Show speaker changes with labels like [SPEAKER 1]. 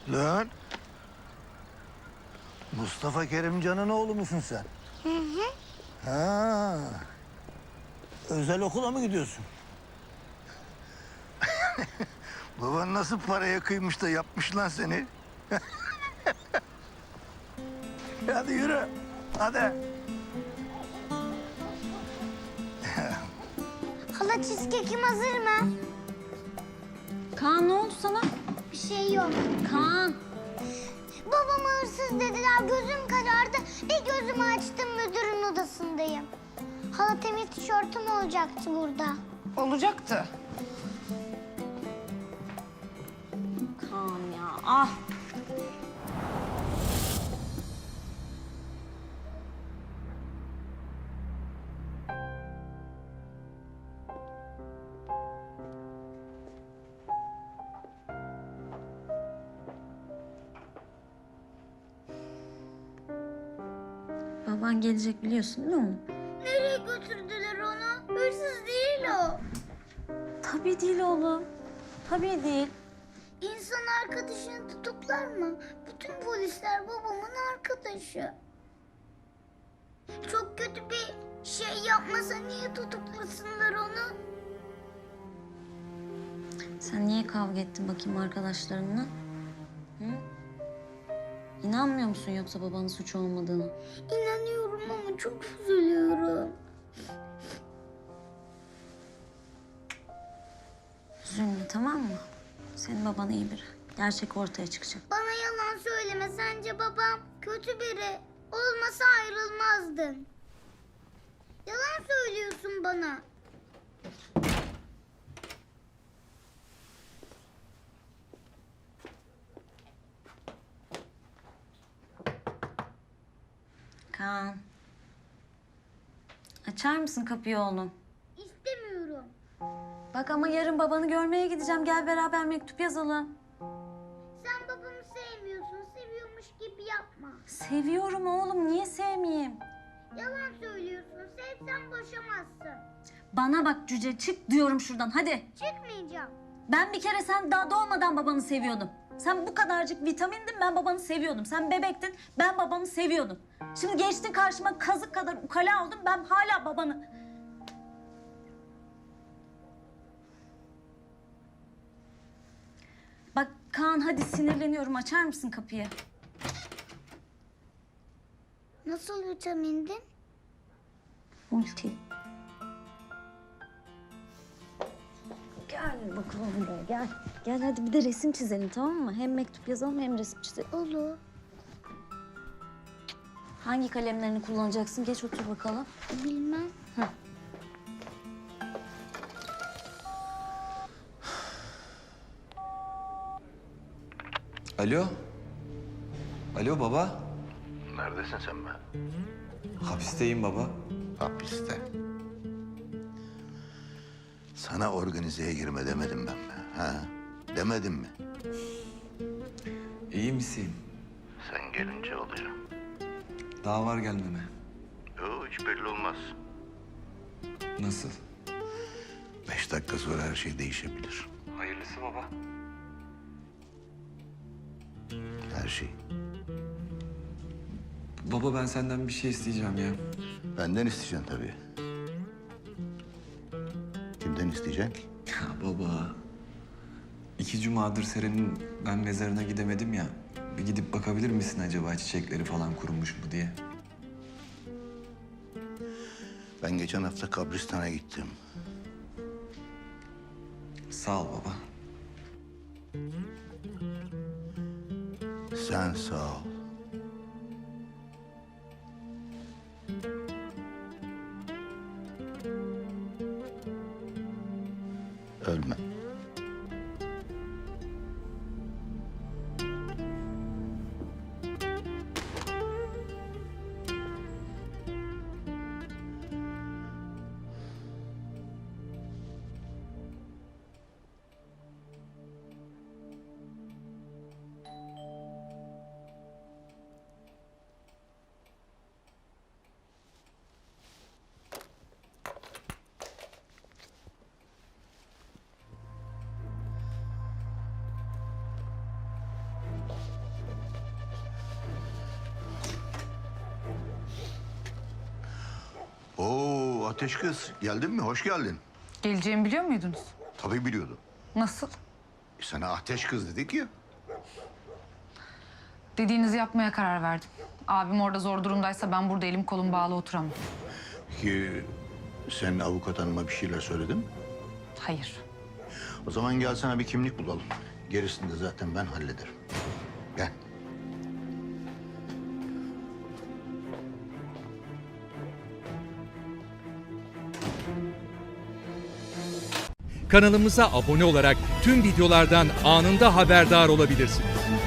[SPEAKER 1] Lan. Mustafa Kerimcan'ın oğlu musun sen?
[SPEAKER 2] Hı hı.
[SPEAKER 1] Ha. Özel okula mı gidiyorsun? Baban nasıl paraya kıymış da yapmış lan seni? Hadi yürü. Hadi.
[SPEAKER 2] Hala cheesecake'im hazır mı?
[SPEAKER 3] Kaan ne oldu sana?
[SPEAKER 2] Bir şey yok.
[SPEAKER 3] Kaan.
[SPEAKER 2] Babama hırsız dediler, gözüm karardı. Bir gözümü açtım, müdürün odasındayım. Hala temiz tişörtüm olacaktı burada.
[SPEAKER 4] Olacaktı.
[SPEAKER 3] Kaan ya ah. Baban gelecek biliyorsun değil mi?
[SPEAKER 2] Nereye götürdüler onu? Hırsız değil o.
[SPEAKER 3] Tabii değil oğlum. Tabii değil.
[SPEAKER 2] İnsan arkadaşını tutuklar mı? Bütün polisler babamın arkadaşı. Çok kötü bir şey yapmasa niye tutuklasınlar onu?
[SPEAKER 3] Sen niye kavga ettin bakayım arkadaşlarınla? Hı? İnanmıyor musun yoksa babanın suçu olmadığını?
[SPEAKER 2] İnanıyorum ama çok üzülüyorum.
[SPEAKER 3] Üzülme tamam mı? Senin baban iyi biri. Gerçek ortaya çıkacak.
[SPEAKER 2] Bana yalan söyleme, sence babam kötü biri. Olmasa ayrılmazdın. Yalan söylüyorsun bana.
[SPEAKER 3] Kaan. Açar mısın kapıyı oğlum?
[SPEAKER 2] İstemiyorum.
[SPEAKER 3] Bak ama yarın babanı görmeye gideceğim. Gel beraber mektup yazalım.
[SPEAKER 2] Sen babamı sevmiyorsun, seviyormuş gibi yapma.
[SPEAKER 3] Seviyorum oğlum. Niye sevmeyeyim?
[SPEAKER 2] Yalan söylüyorsun, sevsen boşamazsın.
[SPEAKER 3] Bana bak cüce çık diyorum şuradan hadi.
[SPEAKER 2] Çıkmayacağım.
[SPEAKER 3] Ben bir kere sen daha doğmadan babanı seviyordum. Sen bu kadarcık vitamindin ben babanı seviyordum. Sen bebektin ben babanı seviyordum. Şimdi geçtin karşıma kazık kadar ukala oldun ben hala babanı... Bak Kaan hadi sinirleniyorum açar mısın kapıyı?
[SPEAKER 2] Nasıl vitamindin?
[SPEAKER 3] Multi. Gel bakalım buraya gel. Gel hadi bir de resim çizelim tamam mı? Hem mektup yazalım hem resim çizelim.
[SPEAKER 2] Olur.
[SPEAKER 3] Hangi kalemlerini kullanacaksın? Geç otur bakalım.
[SPEAKER 2] Bilmem.
[SPEAKER 5] Alo. Alo baba.
[SPEAKER 1] Neredesin sen be?
[SPEAKER 5] Hapisteyim baba.
[SPEAKER 1] Hapiste. Sana organizeye girme demedim ben mi? Ha? Demedim mi?
[SPEAKER 5] İyi misin?
[SPEAKER 1] Sen gelince oluyor.
[SPEAKER 5] Daha var gelmeme.
[SPEAKER 1] Yok hiç belli olmaz.
[SPEAKER 5] Nasıl?
[SPEAKER 1] 5 dakika sonra her şey değişebilir.
[SPEAKER 5] Hayırlısı baba.
[SPEAKER 1] Her şey.
[SPEAKER 5] Baba ben senden bir şey isteyeceğim ya.
[SPEAKER 1] Benden isteyeceksin tabii. Kimden isteyeceksin ki?
[SPEAKER 5] Ya baba. 2 cumadır Seren'in ben mezarına gidemedim ya. Bir gidip bakabilir misin acaba çiçekleri falan kurumuş mu diye?
[SPEAKER 1] Ben geçen hafta kabristana gittim.
[SPEAKER 5] Sağ ol baba.
[SPEAKER 1] Sen sağ ol. Ölme. Ateş kız, geldin mi? Hoş geldin.
[SPEAKER 4] Geleceğimi biliyor muydunuz?
[SPEAKER 1] Tabii biliyordum.
[SPEAKER 4] Nasıl?
[SPEAKER 1] Sana ateş kız dedik ya.
[SPEAKER 4] Dediğinizi yapmaya karar verdim. Abim orada zor durumdaysa ben burada elim kolum bağlı oturamam.
[SPEAKER 1] Peki sen avukat hanıma bir şeyler söyledin mi?
[SPEAKER 4] Hayır.
[SPEAKER 1] O zaman gel sana bir kimlik bulalım. Gerisini de zaten ben hallederim. Gel.
[SPEAKER 6] Kanalımıza abone olarak tüm videolardan anında haberdar olabilirsiniz.